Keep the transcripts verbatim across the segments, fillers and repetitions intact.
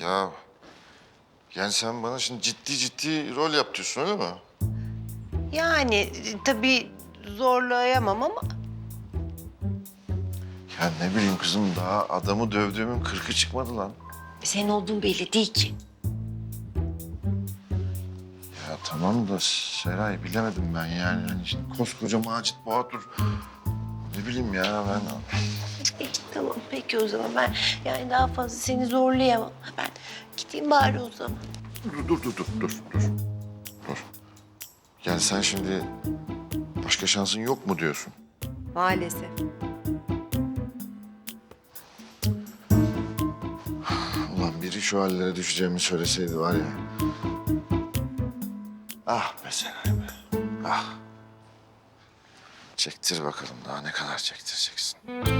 Ya yani sen bana şimdi ciddi ciddi rol yap diyorsun öyle mi? Yani e, tabii zorlayamam ama Ya ne bileyim kızım daha adamı dövdüğümün kırkı çıkmadı lan. senin olduğun belli değil ki. Ya tamam da Seray bilemedim ben yani. Hani şimdi koskoca Macit Bahadır. Ne bileyim ya ben. Peki tamam peki o zaman ben yani daha fazla seni zorlayamam. Ben gideyim bari o zaman. Dur dur dur dur dur dur. Dur. Yani sen şimdi başka şansın yok mu diyorsun? Maalesef. Ulan biri şu hallere düşeceğimi söyleseydi var ya. Ah be Seray be. Ah. Çektir bakalım daha ne kadar çektireceksin.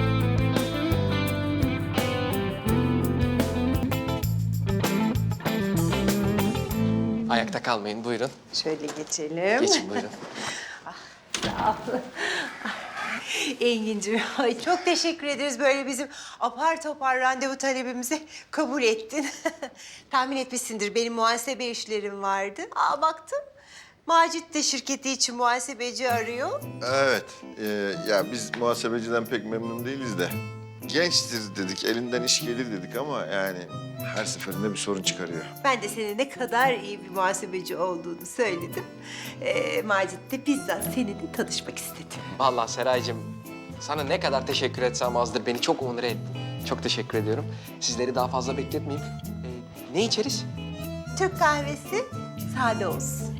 Ayakta kalmayın, buyurun. Şöyle geçelim. Geçin buyurun. Sağ ol. Engin'cim, ay çok teşekkür ederiz böyle bizim apar topar randevu talebimizi kabul ettin. Tahmin etmişsindir benim muhasebe işlerim vardı. Aa baktım Macit de şirketi için muhasebeci arıyor. Evet. e, ya biz muhasebeciden pek memnun değiliz de. Gençtir dedik, elinden iş gelir dedik ama yani her seferinde bir sorun çıkarıyor. Ben de senin ne kadar iyi bir muhasebeci olduğunu söyledim. Ee, Macit de bizzat seninle tanışmak istedi. Vallahi Seraycığım, sana ne kadar teşekkür etsem azdır. Beni çok onur ettin. Çok teşekkür ediyorum. Sizleri daha fazla bekletmeyeyim. Ee, ne içeriz? Türk kahvesi sade olsun.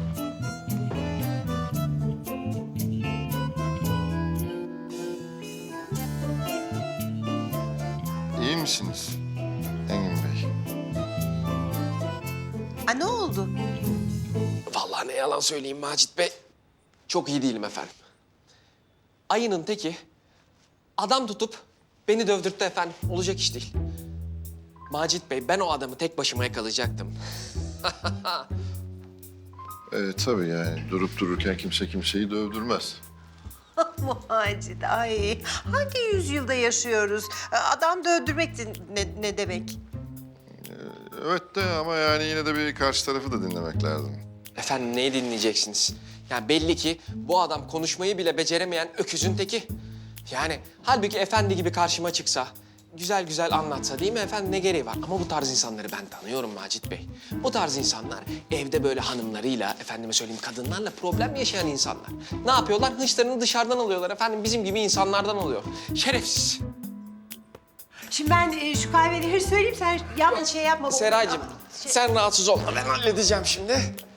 İyi misiniz Engin Bey? Aa, ne oldu? Vallahi ne yalan söyleyeyim Macit Bey. Çok iyi değilim efendim. Ayının teki adam tutup beni dövdürttü efendim. Olacak iş değil. Macit Bey, ben o adamı tek başıma yakalayacaktım. Ee, tabii yani durup dururken kimse kimseyi dövdürmez. Macit, ay hangi yüzyılda yaşıyoruz? Adam dövdürmek de ne, ne demek? Evet de ama yani yine de bir karşı tarafı da dinlemek lazım. Efendim neyi dinleyeceksiniz? Yani belli ki bu adam konuşmayı bile beceremeyen öküzün teki. Yani halbuki efendi gibi karşıma çıksa, güzel güzel anlatsa değil mi efendim ne gereği var? Ama bu tarz insanları ben tanıyorum Macit Bey. Bu tarz insanlar evde böyle hanımlarıyla, efendime söyleyeyim kadınlarla problem yaşayan insanlar. Ne yapıyorlar? Hınçlarını dışarıdan alıyorlar efendim. Bizim gibi insanlardan oluyor. Şerefsiz. Şimdi ben e, şu kahveleri söyleyeyim sen yanlış şey yapma. Seraycığım sen rahatsız olma. Ben halledeceğim şimdi.